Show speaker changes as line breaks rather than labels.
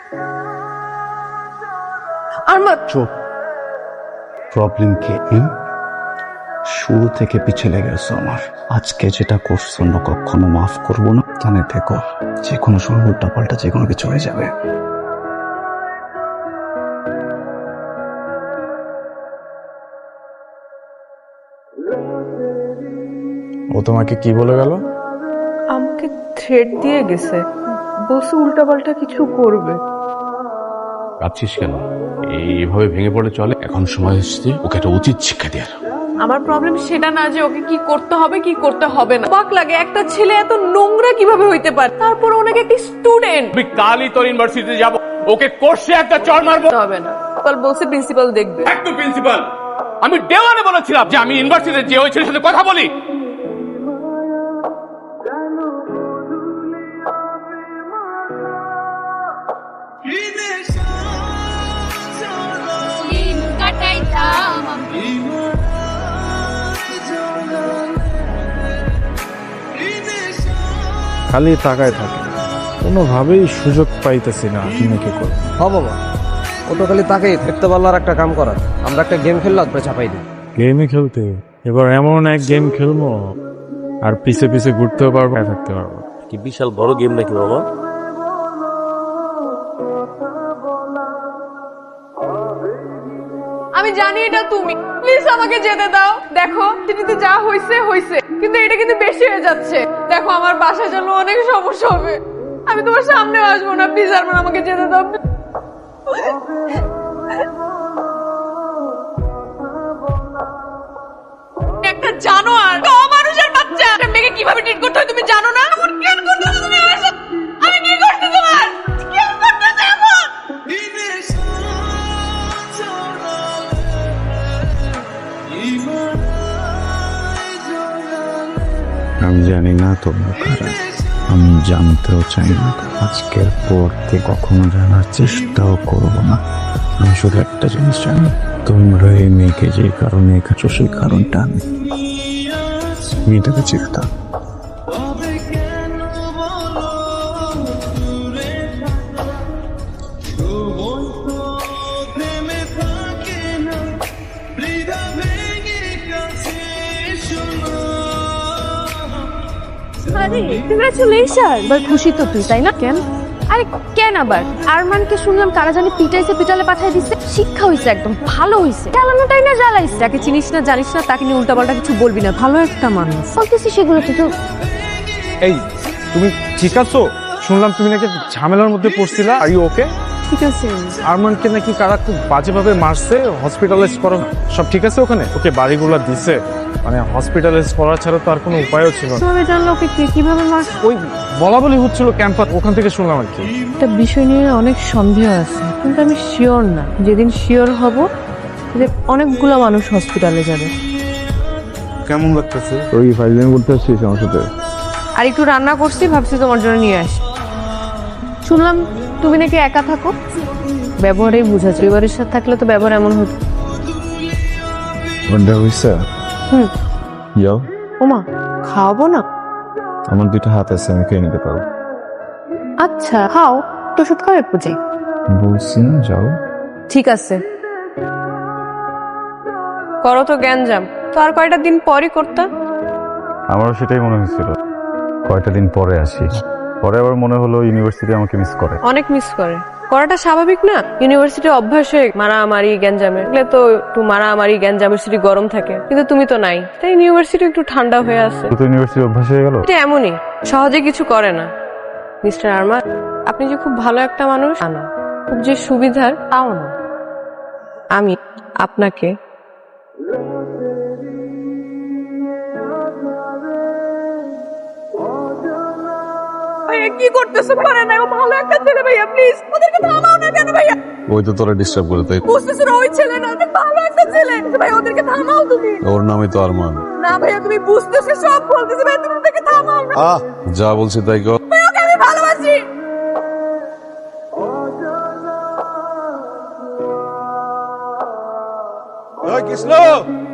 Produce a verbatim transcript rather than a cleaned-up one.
আরমান
চুপ। প্রবলেম কি? শুরু থেকে পিছলে গেছো আমার। আজকে যেটা করছো না কখনো মাফ করবো না। জানে থেকো যে কোনো সময় উল্টা পাল্টা যে কোনো কিছু হয়ে যাবে।
ও তোমাকে কি বলে গেল?
আমাকে থ্রেট দিয়ে গেছে, বলছে উল্টাপাল্টা কিছু করবে।
ভাবছিস কেন? এইভাবে ভেঙে পড়ে চলে? এখন সময় এসেছে ওকে একটা উচিত শিক্ষা দেওয়ার।
আমার প্রবলেম সেটা না যে ওকে কি করতে হবে কি করতে হবে না। অবাক লাগে একটা ছেলে এত নোংরা কিভাবে হইতে পারে, তারপর ওনাকে একটি স্টুডেন্ট।
আমি কালই তোর ইউনিভার্সিটিতে যাব, ওকে কোর্সে একটা চড় মারবো।
হবে না, কাল বলছে প্রিন্সিপাল দেখবে।
একটু প্রিন্সিপাল, আমি দেওয়ানে বলেছিলাম যে আমি ইউনিভার্সিটিতে যে ওই ছেলের সাথে কথা বলি।
খালি তাকায় থাকে, কোনোভাবেই সুযোগ পাইতেছি না মেয়েকে করে।
হ্যাঁ বাবা, ও তো খালি তাকেই থাকতে পারলো। আর একটা কাম করার, আমরা একটা গেম খেললাম, তারপরে চাপাই দিই।
গেমই খেলতে? এবার এমন এক গেম খেলবো আর পিছে পিছে ঘুরতেও পারবো, থাকতে পারবো।
কি বিশাল বড় গেম নাকি বাবা?
আমি জানি এটা তুমি, প্লিজ আমাকে যেতে দাও। দেখো চিঠিতে যা হইছে হইছে, কিন্তু এটা কিন্তু বেশি হয়ে যাচ্ছে। দেখো আমার বাসায় জন্য অনেক সমস্যা হবে, আমি তোমার সামনে আসবো না। প্লিজ আরমান আমাকে যেতে দাও। একটা জানোয়ার, মানুষের বাচ্চা, একটা মেয়েকে কিভাবে ট্রিট করতে হয় তুমি জানো না? এমন কেন করতেছো তুমি আমার সাথে? আমি কি করতে তোমার কেন করতেছো এমন?
আমি জানি না তোমরা কারা, আমি জানতেও চাই না। আজকের পর থেকে কখনো জানার চেষ্টাও করবো না। আমি শুধু একটা জিনিস জানি, তোমরা এই মেয়েকে যে কারণে এঁকেছো সেই কারণটা আমি মেয়েটাকে চিনতাম।
আরে কংগ্রাচুলেশন। এবার খুশি তো তুই, তাই না? কেন? আরে কেন আবার? আরমানকে শুনলাম কারা জানি পিটাইছে, পিটালে পাঠাই দিচ্ছে। শিক্ষা হইছে, একদম ভালো হইছে। জ্বালানোটাই না জ্বালাইছে। যাকে চিনিস না জানিস না তাকে নিয়ে উল্টাপাল্টা কিছু বলবি না। ভালো একটা মানুষ বলতেছি সেগুলো তুই তো।
এই তুমি ঠিক আছো? শুনলাম তুমি নাকি ঝামেলার মধ্যে পড়ছিলা। Are you okay?
ঠিক আছে।
আরমানকে নাকি কারা খুব বাজেভাবে মারছে, হসপিটালাইজ করা, সব ঠিক আছে ওখানে? ওকে বাড়িগুলা দিছে, মানে হসপিটালাইজ করা ছাড়া তো আর কোনো উপায়ও ছিল না।
কিভাবে জানলো ওকে কে কিভাবে মার?
ওই বলা বলি হচ্ছিল ক্যাম্পাস, ওখান থেকে শুনলাম আর কি।
একটা বিষয় নিয়ে অনেক সন্দেহ আছে, কিন্তু আমি শিওর না। যেদিন শিওর হব যে অনেকগুলো মানুষ হসপিটালে যাবে।
কেমন লাগতেছে? ওই ফাইলিং করতে আসছিস আমার সাথে?
আর একটু রান্না করছি, ভাবছি তোমার জন্য নিয়ে আসি। শুনলাম তুমি নাকি একা থাকো, ব্যবহারেই বুঝাচ্ছ। পরিবারের সাথে থাকলে তো ব্যবহার এমন হতো।
ওটা হইছে?
হুম।
যাও।
ওমা, খাওয়াবো না?
আমার দুইটা হাত আছে, আমি খেয়ে নিতে পারবো।
আচ্ছা খাও, তো ওষুধ খাও একটু যাই।
বলছি না যাও।
ঠিক আছে, করো তো জ্ঞানজাম। তো আর কয়টা দিন পরই করতে।
আমারও সেটাই মনে হয়েছিল, কয়টা দিন পরে আসি। পরে আবার মনে হলো ইউনিভার্সিটি আমাকে মিস করে।
অনেক মিস করে, করাটা স্বাভাবিক না? ইউনিভার্সিটি অভ্যাস হয়ে মারামারি গ্যাঞ্জামের, এগুলো তো একটু মারামারি গ্যাঞ্জামের সিটি গরম থাকে, কিন্তু তুমি তো নাই, তাই ইউনিভার্সিটি একটু ঠান্ডা হয়ে আছে।
তো ইউনিভার্সিটি অভ্যাস হয়ে গেল।
এটা এমনই, সহজে কিছু করে না। মিস্টার আরমান, আপনি যে খুব ভালো একটা মানুষ তা না, খুব যে সুবিধার তাও না। আমি আপনাকে ভাইয়া কি করতেছো? পারে না, ও ভালো একটা ছেলে ভাইয়া, প্লিজ ওদেরকে থামাও না কেন ভাইয়া?
ওই তো তোরা ডিস্টার্ব করে, তাই
বুঝতেছো না ওই ছেলে না, অনেক ভালো একটা ছেলে ভাই, ওদেরকে থামাও তুমি।
ওর নামই তো আরমান।
না ভাইয়া তুমি বুঝতেছো, সব বলতেছি ভাই, তুমি ওদেরকে থামাও না।
আহ যা বলছি তাই কর।
ভাই ওকে আমি ভালোবাসি।
কৃষ্ণ